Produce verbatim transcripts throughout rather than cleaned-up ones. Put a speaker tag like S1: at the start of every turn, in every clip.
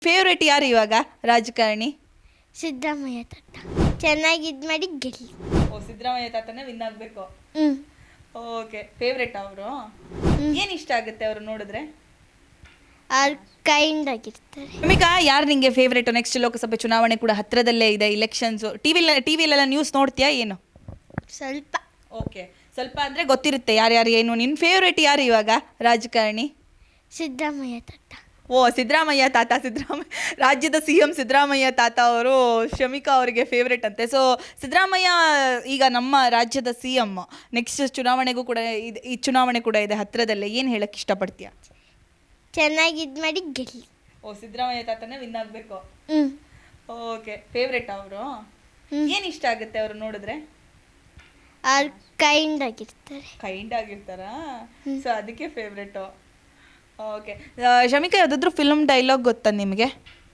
S1: Favourite ಯಾರು ಇವಾಗ ರಾಜಕಾರಣಿ?
S2: ಸಿದ್ದರಾಮಯ್ಯ ತಾತ ಚೆನ್ನಾಗಿ ಇದು ಮಾಡಿ ಗೆಲ್ಲಿ.
S1: ಓ, ಸಿದ್ದರಾಮಯ್ಯ ತಾತನೇ ವಿನ್ ಆಗಬೇಕು.
S2: ಹ್ಞೂ
S1: ಓಕೆ, ಫೇವ್ರೇಟ್ ಅವರು. ಏನು ಇಷ್ಟ ಆಗುತ್ತೆ ಅವರು ನೋಡಿದ್ರೆ?
S2: ಅವ್ರು ಕೈಂಡ್ ಆಗಿರ್ತಾರೆ.
S1: ಭೂಮಿಕಾ, ಯಾರು ನಿಂಗೆ ಫೇವ್ರೇಟ್? ನೆಕ್ಸ್ಟ್ ಲೋಕಸಭೆ ಚುನಾವಣೆ ಕೂಡ ಹತ್ರದಲ್ಲೇ ಇದೆ, ಇಲೆಕ್ಷನ್ಸ್. ಟಿವಿ ಟಿವಿಲೆಲ್ಲ ನ್ಯೂಸ್ ನೋಡ್ತೀಯಾ ಏನು?
S2: ಸ್ವಲ್ಪ
S1: ಓಕೆ, ಸ್ವಲ್ಪ ಅಂದರೆ ಗೊತ್ತಿರುತ್ತೆ ಯಾರ್ಯಾರು ಏನು. ನಿನ್ನ ಫೇವ್ರೇಟ್ ಯಾರು ಇವಾಗ ರಾಜಕಾರಣಿ?
S2: ಸಿದ್ದರಾಮಯ್ಯ ತಾತ.
S1: ಓ, ಸಿದ್ದರಾಮಯ್ಯ ತಾತ. ಸಿದ್ದರಾಮಯ್ಯ ರಾಜ್ಯದ ಸಿ ಎಂ ಸಿದ್ದರಾಮಯ್ಯ ತಾತ ಅವರು ಶಮಿಕಾ ಅವರಿಗೆ ಫೇವ್ರೇಟ್ ಅಂತೆ. ಸೊ ಸಿದ್ದರಾಮಯ್ಯ ಈಗ ನಮ್ಮ ರಾಜ್ಯದ ಸಿ ಎಂ. ನೆಕ್ಸ್ಟ್ ಚುನಾವಣೆಗೂ ಕೂಡ ಇದೆ, ಈ ಚುನಾವಣೆ ಕೂಡ ಇದೆ ಹತ್ರದಲ್ಲೇ. ಏನು ಹೇಳಕ್ಕೆ ಇಷ್ಟಪಡ್ತೀಯಾ?
S2: ಚೆನ್ನಾಗಿ ಇದು ಮಾಡಿ ಗೆಲ್ಲಿ.
S1: ಓ, ಸಿದ್ದರಾಮಯ್ಯ ತಾತನೇ ವಿನ್ ಆಗಬೇಕು.
S2: ಹ್ಞೂ
S1: ಓಕೆ, ಫೇವ್ರೇಟ್ ಅವರು. ಏನು ಇಷ್ಟ ಆಗುತ್ತೆ ಅವರು ನೋಡಿದ್ರೆ?
S2: ಅವ್ರು ಕೈಂಡ್ ಆಗಿರ್ತಾರೆ.
S1: ಕೈಂಡ್ ಆಗಿರ್ತಾರಾ? ಸೊ ಅದಕ್ಕೆ ಫೇವ್ರೇಟು. ಓಕೆ, ಶಮಿಕಾ, ಯಾವುದಾದ್ರೂ ಫಿಲ್ಮ್ ಡೈಲಾಗ್ ಗೊತ್ತಾ ನಿಮಗೆ?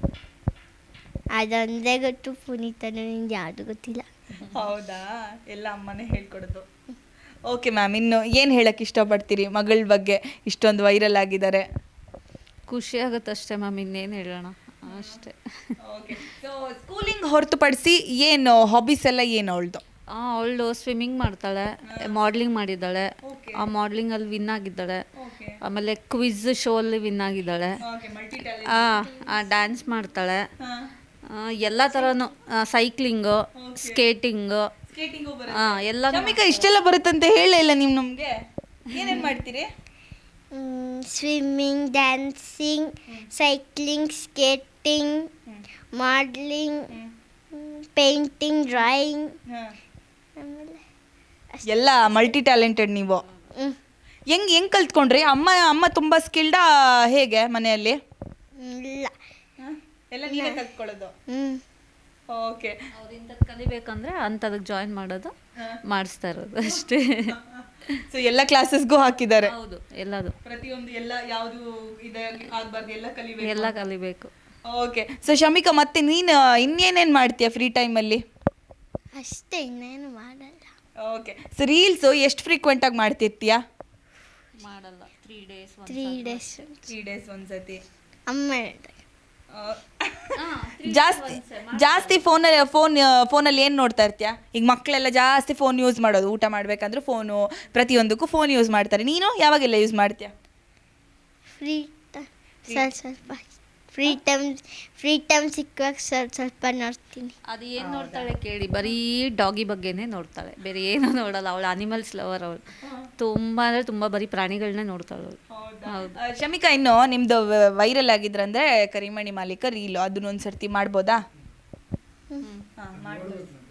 S2: ಅದೊಂದೇ ಗೊತ್ತು, ಪುನೀತನು ನಿಂಗೆ ಯಾವುದು ಗೊತ್ತಿಲ್ಲ.
S1: ಹೌದಾ? ಎಲ್ಲ ಅಮ್ಮನೇ ಹೇಳ್ಕೊಡೋದು. ಓಕೆ ಮ್ಯಾಮ್, ಇನ್ನು ಏನು ಹೇಳಕ್ಕೆ ಇಷ್ಟಪಡ್ತೀರಿ ಮಗಳ ಬಗ್ಗೆ? ಇಷ್ಟೊಂದು ವೈರಲ್ ಆಗಿದ್ದಾರೆ.
S3: ಖುಷಿ ಆಗುತ್ತೆ ಅಷ್ಟೇ ಮ್ಯಾಮ್, ಇನ್ನೇನು ಹೇಳೋಣ ಅಷ್ಟೇ.
S1: ಓಕೆ, ಸೊ ಸ್ಕೂಲಿಂಗ್ ಹೊರತುಪಡಿಸಿ ಏನು ಹಾಬೀಸ್ ಎಲ್ಲ ಏನು ಅವಳದು?
S3: ಅವಳು ಸ್ವಿಮ್ಮಿಂಗ್ ಮಾಡ್ತಾಳೆ, ಮಾಡ್ಲಿಂಗ್ ಮಾಡಿದ್ದಾಳೆ, ಆ ಮಾಡ್ಲಿಂಗಲ್ಲಿ ವಿನ್ ಆಗಿದ್ದಾಳೆ. ಆಮೇಲೆ ಕ್ವಿಜ್ ಶೋ ಅಲ್ಲಿ ವಿನ್ ಆಗಿದ್ದಾಳೆ. ಆ ಡ್ಯಾನ್ಸ್ ಮಾಡ್ತಾಳೆ, ಎಲ್ಲ ಥರನೂ, ಸೈಕ್ಲಿಂಗು, ಸ್ಕೇಟಿಂಗು, ಎಲ್ಲ.
S1: ಶಮಿಕಾ, ಇಷ್ಟೆಲ್ಲ ಬರುತ್ತಂತೆ ಹೇಳೇ ಇಲ್ಲ ನೀವು ನಮಗೆ. ಏನೇನು ಮಾಡ್ತೀರಿ?
S2: Swimming, dancing, cycling, skating, modelling, painting, drawing. ಆಮೇಲೆ
S1: ಎಲ್ಲ ಮಲ್ಟಿ ಟ್ಯಾಲೆಂಟೆಡ್ ನೀವು.
S2: ಹ್ಞೂ
S1: ಹೆಂಗೆ ಹೆಂಗೆ ಕಲ್ತ್ಕೊಂಡ್ರಿ? ಅಮ್ಮ ಅಮ್ಮ ತುಂಬ ಸ್ಕಿಲ್ಡಾ ಹೇಗೆ ಮನೆಯಲ್ಲಿ?
S2: ಇಲ್ಲ
S1: ಎಲ್ಲ ನೀವೇ ಕಲ್ತ್ಕೊಳ್ಳೋದು?
S2: ಹ್ಞೂ
S1: ಓಕೆ,
S3: ಅವ್ರಿಂಥದ್ದು ಕಲಿಬೇಕಂದ್ರೆ ಅಂಥದಕ್ಕೆ ಜಾಯಿನ್ ಮಾಡೋದು, ಮಾಡಿಸ್ತಾ ಇರೋದು ಅಷ್ಟೇ.
S1: ಸೊ ಎಲ್ಲ ಕ್ಲಾಸಸ್ಗೂ ಹಾಕಿದ್ದಾರೆ?
S3: ಹೌದು, ಎಲ್ಲದು,
S1: ಪ್ರತಿಯೊಂದು ಎಲ್ಲ ಯಾವುದು ಇದೆ ಆಗಬಾರ್ದು, ಎಲ್ಲ ಕಲಿಬೇಕು.
S3: ಎಲ್ಲ ಕಲಿಬೇಕು.
S1: ಓಕೆ, ಸೊ ಶಮಿಕಾ, ಮತ್ತೆ ನೀನು ಇನ್ನೇನೇನು ಮಾಡ್ತೀಯ ಫ್ರೀ ಟೈಮಲ್ಲಿ?
S2: ಅಷ್ಟೇ, ಇನ್ನೇನು ಮಾಡಲ್ಲ.
S1: ಓಕೆ, ಸೊ ರೀಲ್ಸು ಎಷ್ಟು ಫ್ರೀಕ್ವೆಂಟಾಗಿ ಮಾಡ್ತಿರ್ತೀಯಾ?
S3: ಮಾಡಲ್ಲ, three days
S2: three days
S1: three days ಒಂದ್ಸತಿ.
S2: ಅಮ್ಮ ಹೇಳಿದಾಗ
S1: ಜಾಸ್ತಿ ಜಾಸ್ತಿ ಫೋನಲ್ಲಿ ಫೋನ್ ಫೋನಲ್ಲಿ ಏನು ನೋಡ್ತಾ ಇರ್ತೀಯಾ? ಈಗ ಮಕ್ಕಳೆಲ್ಲ ಜಾಸ್ತಿ ಫೋನ್ ಯೂಸ್ ಮಾಡೋದು, ಊಟ ಮಾಡಬೇಕಂದ್ರೆ ಫೋನು, ಪ್ರತಿಯೊಂದಕ್ಕೂ ಫೋನ್ ಯೂಸ್ ಮಾಡ್ತಾರೆ. ನೀನು ಯಾವಾಗೆಲ್ಲ ಯೂಸ್ ಮಾಡ್ತೀಯಾ?
S2: ಫ್ರೀ ಟೈಮ್ ಸ್ವಲ್ಪ ಸ್ವಲ್ಪ ಫ್ರೀ ಟೈಮ್ ಫ್ರೀ ಟೈಮ್ ಸಿಕ್ಕುವಾಗ ಸ್ವಲ್ಪ ಸ್ವಲ್ಪ ನೋಡ್ತೀನಿ.
S3: ಅದು ಏನು ನೋಡ್ತಾಳೆ ಕೇಳಿ, ಬರೀ ಡಾಗಿ ಬಗ್ಗೆನೇ ನೋಡ್ತಾಳೆ, ಬೇರೆ ಏನೂ ನೋಡಲ್ಲ. ಅವಳು ಅನಿಮಲ್ಸ್ ಲವರ್. ಅವಳು ತುಂಬ ಅಂದರೆ ತುಂಬ ಬರೀ ಪ್ರಾಣಿಗಳನ್ನೇ ನೋಡ್ತಾಳೆ ಅವಳು. ಹೌದು.
S1: ಶಮಿಕಾ, ಇನ್ನು ನಿಮ್ದು ವೈರಲ್ ಆಗಿದ್ರಂದ್ರೆ ಕರಿಮಣಿ ಮಾಲೀಕ ರೀಲು, ಅದನ್ನೊಂದು ಸರ್ತಿ ಮಾಡ್ಬೋದಾ?
S2: ಹ್ಞೂ
S1: ಹಾಂ, ಮಾಡ್ಬೋದು.